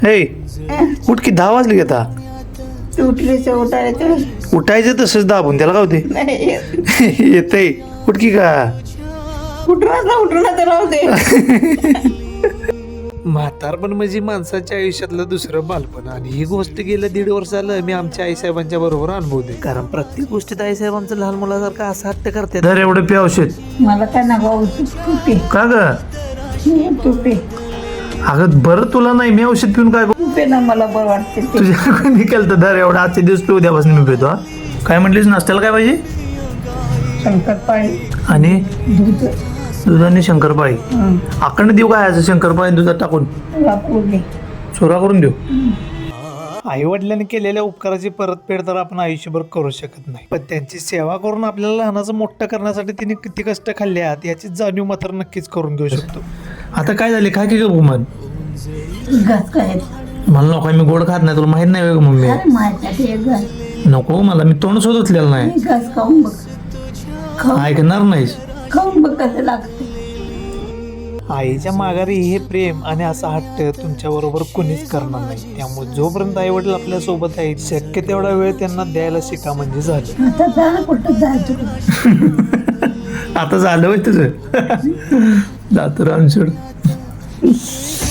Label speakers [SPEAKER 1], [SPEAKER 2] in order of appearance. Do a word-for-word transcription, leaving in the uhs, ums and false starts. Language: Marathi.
[SPEAKER 1] हे उठ की दहा वाजले की आता
[SPEAKER 2] उठलीच उठायचं
[SPEAKER 1] उठायचं तसंच दाबून त्याला काय होते
[SPEAKER 2] नाही
[SPEAKER 1] येतंय उठ की का
[SPEAKER 2] उठणार उठणार तर राहू दे.
[SPEAKER 3] म्हातारपण म्हणजे माणसाच्या आयुष्यातलं दुसरं बालपण आणि ही गोष्ट गेलं दीड वर्ष झालं मी आमच्या आईसाहेबांच्या बरोबर अनुभवते. कारण प्रत्येक गोष्टीत आईसाहेब आमचं लहान मुलासारखं असं हट्ट करतात.
[SPEAKER 1] धर एवढं पे औषध
[SPEAKER 2] मला काय ना भाऊ तू पे
[SPEAKER 1] का ग
[SPEAKER 2] तू पे
[SPEAKER 1] अगं बरं तुला नाही मी औषध पिऊन काय करू?
[SPEAKER 2] तू पे ना मला बरं वाटते ते.
[SPEAKER 1] तुझ्या कोणी केलं तर धर एवढा आजचे दिवस पिऊ द्यापासून मी पितो हा. काय म्हटलीस नाश्त्याला काय पाहिजे
[SPEAKER 2] शंकरपाळी
[SPEAKER 1] आणि
[SPEAKER 2] दूध
[SPEAKER 1] दूध आणि शंकरपाळी
[SPEAKER 2] हं,
[SPEAKER 1] आकडे देऊ काय असं शंकरपाळी दुधात टाकून
[SPEAKER 2] वापरू दे.
[SPEAKER 1] चोरा करून देऊ.
[SPEAKER 3] आई वडिलांनी केलेल्या उपकाराची परतफेड तर आपण आयुष्यभर करू शकत नाही, पण त्यांची सेवा करून आपल्याला लहानाचं मोठं करण्यासाठी तिने किती कष्ट खाल्ले आहेत याची जाणीव मात्र नक्कीच करून घेऊ शकतो.
[SPEAKER 1] आता काय झाले काय की गं मग
[SPEAKER 2] घास काय
[SPEAKER 1] मला नको मी गोड खात नाही तुला माहित नाही का मम्मी
[SPEAKER 2] अरे माझ्यासाठी एक घास
[SPEAKER 1] नको मला मी तोंड शोधतलेलं नाही
[SPEAKER 2] एक घास खाऊन बघ खाऊन
[SPEAKER 1] ऐकणार नाहीस
[SPEAKER 2] खाऊन बघ कसं लागतं.
[SPEAKER 3] आईच्या माघारी हे प्रेम आणि असा हट्ट तुमच्या बरोबर कुणीच करणार नाही. त्यामुळे जोपर्यंत आई वडील आपल्या सोबत आहेत शक्य तेवढा वेळ त्यांना द्यायला शिका म्हणजे झालं.
[SPEAKER 2] आता जा कुठं जायचं
[SPEAKER 1] आता झालं होय तुझं जातो रामचूड